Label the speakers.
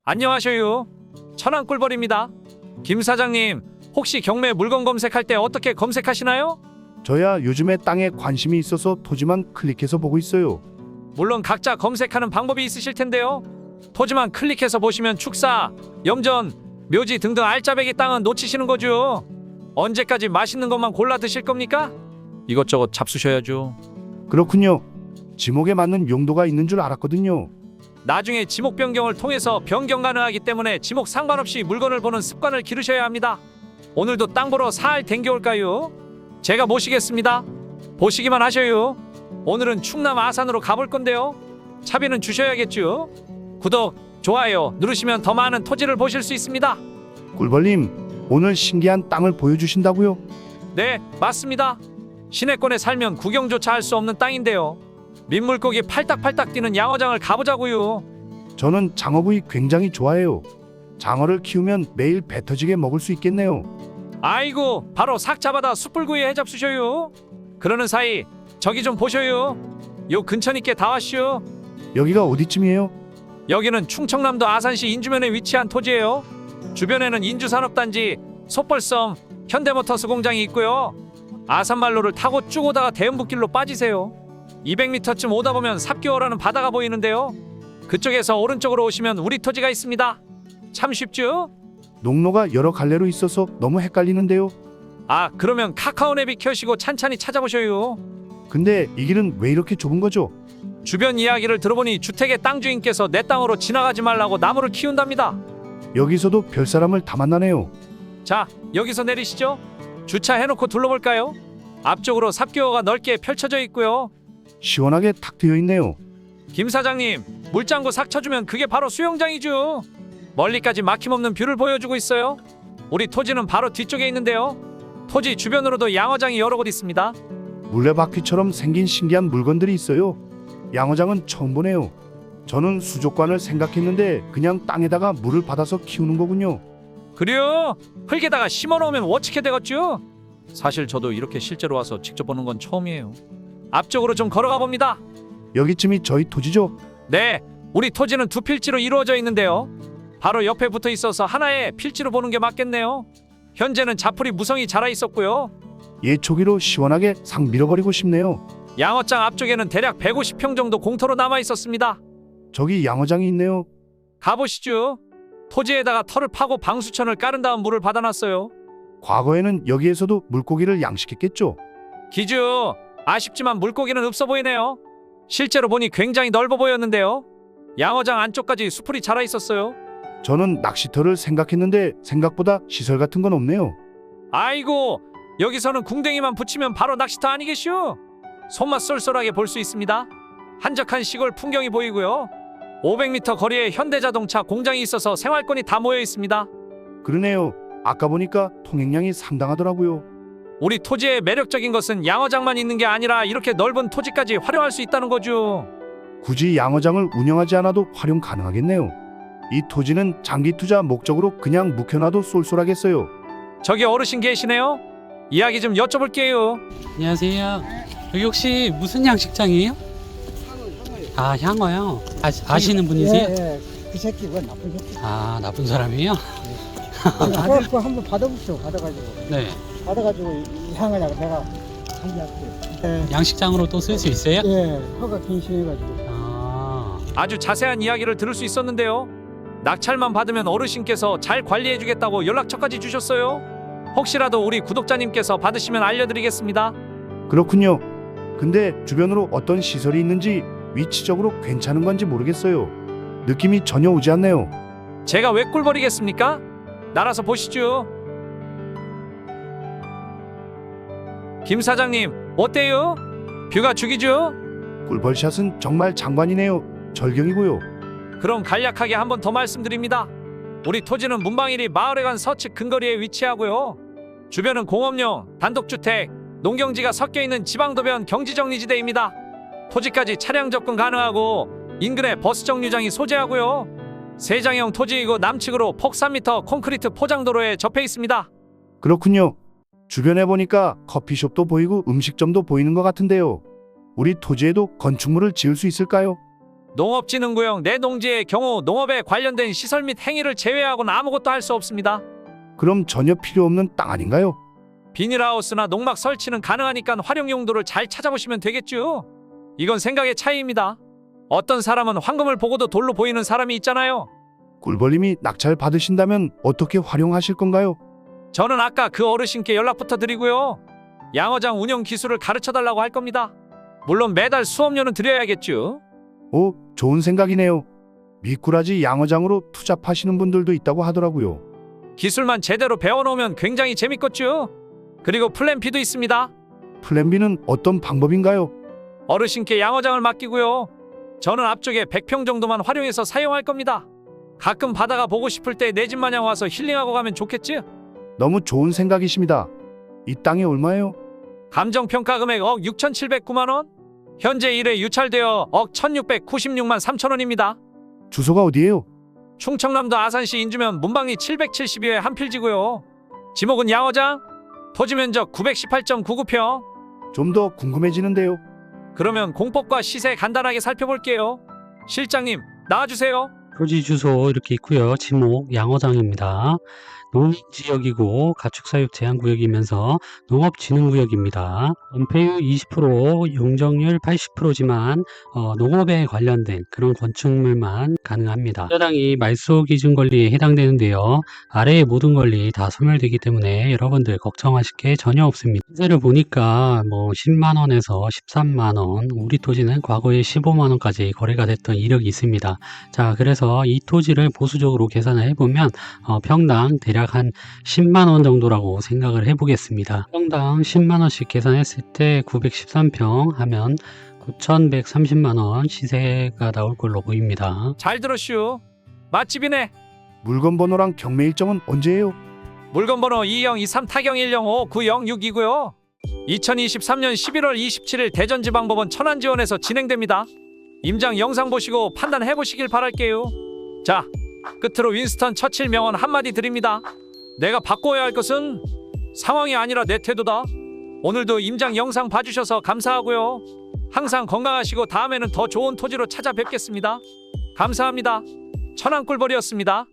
Speaker 1: 안녕하셔요. 천안꿀벌입니다. 김 사장님, 혹시 경매 물건 검색할 때 어떻게 검색하시나요?
Speaker 2: 저야 요즘에 땅에 관심이 있어서 토지만 클릭해서 보고 있어요.
Speaker 1: 물론 각자 검색하는 방법이 있으실 텐데요. 토지만 클릭해서 보시면 축사, 염전, 묘지 등등 알짜배기 땅은 놓치시는 거죠. 언제까지 맛있는 것만 골라 드실 겁니까? 이것저것 잡수셔야죠.
Speaker 2: 그렇군요. 지목에 맞는 용도가 있는 줄 알았거든요.
Speaker 1: 나중에 지목 변경을 통해서 변경 가능하기 때문에 지목 상관없이 물건을 보는 습관을 기르셔야 합니다. 오늘도 땅 보러 사흘 댕겨올까요? 제가 모시겠습니다. 보시기만 하셔요. 오늘은 충남 아산으로 가볼 건데요. 차비는 주셔야겠죠. 구독, 좋아요 누르시면 더 많은 토지를 보실 수 있습니다.
Speaker 2: 꿀벌님, 오늘 신기한 땅을 보여주신다고요?
Speaker 1: 네, 맞습니다. 시내권에 살면 구경조차 할 수 없는 땅인데요. 민물고기 팔딱팔딱 뛰는 양어장을 가보자고요.
Speaker 2: 저는 장어구이 굉장히 좋아해요. 장어를 키우면 매일 배 터지게 먹을 수 있겠네요.
Speaker 1: 아이고, 바로 삭 잡아다 숯불구이 해잡수셔요. 그러는 사이 저기 좀 보셔요. 요 근처니께 다 왔슈.
Speaker 2: 여기가 어디쯤이에요?
Speaker 1: 여기는 충청남도 아산시 인주면에 위치한 토지예요. 주변에는 인주산업단지, 속벌섬, 현대모터스 공장이 있고요. 아산말로를 타고 쭉 오다가 대음붓길로 빠지세요. 200m쯤 오다 보면 삽교어라는 바다가 보이는데요. 그쪽에서 오른쪽으로 오시면 우리 토지가 있습니다. 참 쉽죠?
Speaker 2: 농로가 여러 갈래로 있어서 너무 헷갈리는데요.
Speaker 1: 아, 그러면 카카오 내비 켜시고 찬찬히 찾아보셔요.
Speaker 2: 근데 이 길은 왜 이렇게 좁은 거죠?
Speaker 1: 주변 이야기를 들어보니 주택의 땅 주인께서 내 땅으로 지나가지 말라고 나무를 키운답니다.
Speaker 2: 여기서도 별 사람을 다 만나네요.
Speaker 1: 자, 여기서 내리시죠. 주차해놓고 둘러볼까요? 앞쪽으로 삽교어가 넓게 펼쳐져 있고요.
Speaker 2: 시원하게 탁 트여 있네요.
Speaker 1: 김 사장님, 물장구 삭 쳐주면 그게 바로 수영장이죠. 멀리까지 막힘없는 뷰를 보여주고 있어요. 우리 토지는 바로 뒤쪽에 있는데요. 토지 주변으로도 양어장이 여러 곳 있습니다.
Speaker 2: 물레바퀴처럼 생긴 신기한 물건들이 있어요. 양어장은 처음 보네요. 저는 수족관을 생각했는데 그냥 땅에다가 물을 받아서 키우는 거군요.
Speaker 1: 그래요? 흙에다가 심어놓으면 워치게 되겠죠? 사실 저도 이렇게 실제로 와서 직접 보는 건 처음이에요. 앞쪽으로 좀 걸어가 봅니다.
Speaker 2: 여기쯤이 저희 토지죠?
Speaker 1: 네, 우리 토지는 두 필지로 이루어져 있는데요. 바로 옆에 붙어 있어서 하나의 필지로 보는 게 맞겠네요. 현재는 자풀이 무성히 자라 있었고요.
Speaker 2: 예초기로 시원하게 상 밀어버리고 싶네요.
Speaker 1: 양어장 앞쪽에는 대략 150평 정도 공터로 남아 있었습니다.
Speaker 2: 저기 양어장이 있네요.
Speaker 1: 가보시죠. 토지에다가 털을 파고 방수천을 깔은 다음 물을 받아놨어요.
Speaker 2: 과거에는 여기에서도 물고기를 양식했겠죠.
Speaker 1: 기주, 아쉽지만 물고기는 없어 보이네요. 실제로 보니 굉장히 넓어 보였는데요. 양어장 안쪽까지 수풀이 자라 있었어요.
Speaker 2: 저는 낚시터를 생각했는데 생각보다 시설 같은 건 없네요.
Speaker 1: 아이고, 여기서는 궁뎅이만 붙이면 바로 낚시터 아니겠슈? 손맛 쏠쏠하게 볼 수 있습니다. 한적한 시골 풍경이 보이고요. 500m 거리에 현대자동차 공장이 있어서 생활권이 다 모여 있습니다.
Speaker 2: 그러네요. 아까 보니까 통행량이 상당하더라고요.
Speaker 1: 우리 토지의 매력적인 것은 양어장만 있는 게 아니라 이렇게 넓은 토지까지 활용할 수 있다는 거죠.
Speaker 2: 굳이 양어장을 운영하지 않아도 활용 가능하겠네요. 이 토지는 장기 투자 목적으로 그냥 묵혀놔도 쏠쏠하겠어요.
Speaker 1: 저기 어르신 계시네요. 이야기 좀 여쭤볼게요.
Speaker 3: 안녕하세요. 여기 혹시 무슨 양식장이에요? 아, 향어요. 아시는 분이세요?
Speaker 4: 예, 예. 그 새끼 왜 나쁜 새끼?
Speaker 3: 아, 나쁜 사람이에요?
Speaker 4: 아들 거 한번 받아보시오. 받아가지고
Speaker 3: 네.
Speaker 4: 이 향을 내가 관리할게요. 예,
Speaker 3: 양식장으로 또 쓸 수 있어요?
Speaker 4: 예, 허가 갱신해가지고.
Speaker 3: 아,
Speaker 1: 아주 자세한 이야기를 들을 수 있었는데요. 낙찰만 받으면 어르신께서 잘 관리해주겠다고 연락처까지 주셨어요. 혹시라도 우리 구독자님께서 받으시면 알려드리겠습니다.
Speaker 2: 그렇군요. 근데 주변으로 어떤 시설이 있는지 위치적으로 괜찮은 건지 모르겠어요. 느낌이 전혀 오지 않네요.
Speaker 1: 제가 왜 꿀버리겠습니까? 날아서 보시죠. 김 사장님, 어때요? 뷰가 죽이죠?
Speaker 2: 꿀벌샷은 정말 장관이네요. 절경이고요.
Speaker 1: 그럼 간략하게 한 번 더 말씀드립니다. 우리 토지는 문방일이 마을에 간 서측 근거리에 위치하고요. 주변은 공업용, 단독주택, 농경지가 섞여 있는 지방도변 경지정리지대입니다. 토지까지 차량 접근 가능하고 인근에 버스 정류장이 소재하고요. 세장형 토지이고 남측으로 폭 3m 콘크리트 포장도로에 접해 있습니다.
Speaker 2: 그렇군요. 주변에 보니까 커피숍도 보이고 음식점도 보이는 것 같은데요. 우리 토지에도 건축물을 지을 수 있을까요?
Speaker 1: 농업진흥구역 내 농지의 경우 농업에 관련된 시설 및 행위를 제외하고는 아무것도 할 수 없습니다.
Speaker 2: 그럼 전혀 필요 없는 땅 아닌가요?
Speaker 1: 비닐하우스나 농막 설치는 가능하니까 활용 용도를 잘 찾아보시면 되겠죠. 이건 생각의 차이입니다. 어떤 사람은 황금을 보고도 돌로 보이는 사람이 있잖아요.
Speaker 2: 꿀벌님이 낙찰 받으신다면 어떻게 활용하실 건가요?
Speaker 1: 저는 아까 그 어르신께 연락부터 드리고요. 양어장 운영 기술을 가르쳐달라고 할 겁니다. 물론 매달 수업료는 드려야겠죠.
Speaker 2: 오, 좋은 생각이네요. 미꾸라지 양어장으로 투잡하시는 분들도 있다고 하더라고요.
Speaker 1: 기술만 제대로 배워놓으면 굉장히 재밌겠죠. 그리고 플랜 B도 있습니다.
Speaker 2: 플랜 B는 어떤 방법인가요?
Speaker 1: 어르신께 양어장을 맡기고요. 저는 앞쪽에 100평 정도만 활용해서 사용할 겁니다. 가끔 바다가 보고 싶을 때 내 집 마냥 와서 힐링하고 가면 좋겠지?
Speaker 2: 너무 좋은 생각이십니다. 이 땅이 얼마예요?
Speaker 1: 감정평가 금액 억 6,709만 원? 현재 1회 유찰되어 억 1,696만 3천 원입니다.
Speaker 2: 주소가 어디예요?
Speaker 1: 충청남도 아산시 인주면 문방리 772회 한필지고요. 지목은 양어장, 토지 면적 918.99평.
Speaker 2: 좀 더 궁금해지는데요.
Speaker 1: 그러면 공법과 시세 간단하게 살펴볼게요. 실장님, 나와주세요.
Speaker 3: 토지 주소 이렇게 있고요. 지목 양어장입니다. 농지역이고 가축사육 제한구역이면서 농업진흥구역입니다. 은폐율 20%, 용적률 80%지만 농업에 관련된 그런 건축물만 가능합니다. 해당이 말소 기준 권리에 해당되는데요. 아래의 모든 권리 다 소멸되기 때문에 여러분들 걱정하실 게 전혀 없습니다. 시세를 보니까 10만 원에서 13만 원, 우리 토지는 과거에 15만 원까지 거래가 됐던 이력이 있습니다. 자, 그래서 이 토지를 보수적으로 계산을 해보면 평당 대략 한 10만 원 정도라고 생각을 해보겠습니다. 평당 10만 원씩 계산했을 때 913평 하면 9,130만 원 시세가 나올 걸로 보입니다.
Speaker 1: 잘 들었슈. 맛집이네.
Speaker 2: 물건 번호랑 경매 일정은 언제예요?
Speaker 1: 물건 번호 2023 타경 105906이고요. 2023년 11월 27일 대전지방법원 천안지원에서 진행됩니다. 임장 영상 보시고 판단해 보시길 바랄게요. 자, 끝으로 윈스턴 처칠 명언 한마디 드립니다. 내가 바꿔야 할 것은 상황이 아니라 내 태도다. 오늘도 임장 영상 봐주셔서 감사하고요. 항상 건강하시고 다음에는 더 좋은 토지로 찾아뵙겠습니다. 감사합니다. 천안꿀벌이었습니다.